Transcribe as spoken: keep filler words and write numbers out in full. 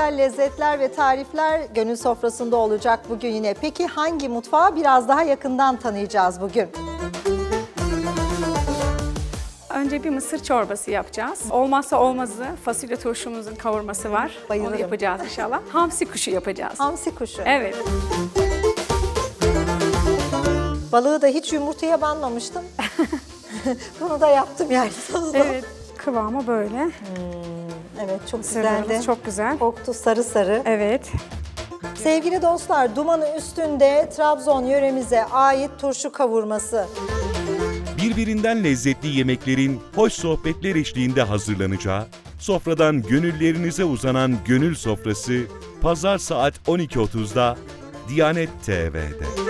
güzel lezzetler ve tarifler gönül sofrasında olacak bugün yine. Peki hangi mutfağı biraz daha yakından tanıyacağız bugün? Önce bir mısır çorbası yapacağız. Olmazsa olmazı fasulye turşumuzun kavurması var. Bayılırım. Onu yapacağız inşallah. Hamsi kuşu yapacağız. Hamsi kuşu. Evet. Balığı da hiç yumurtaya banmamıştım. Bunu da yaptım yani sonunda. Evet. Kıvamı böyle. Evet, çok güzeldi. Mısırlarımız çok güzel. Koktu sarı sarı. Evet. Sevgili dostlar, dumanı üstünde Trabzon yöremize ait turşu kavurması. Birbirinden lezzetli yemeklerin hoş sohbetler eşliğinde hazırlanacağı, sofradan gönüllerinize uzanan Gönül Sofrası, Pazar saat on iki otuzda Diyanet T V'de.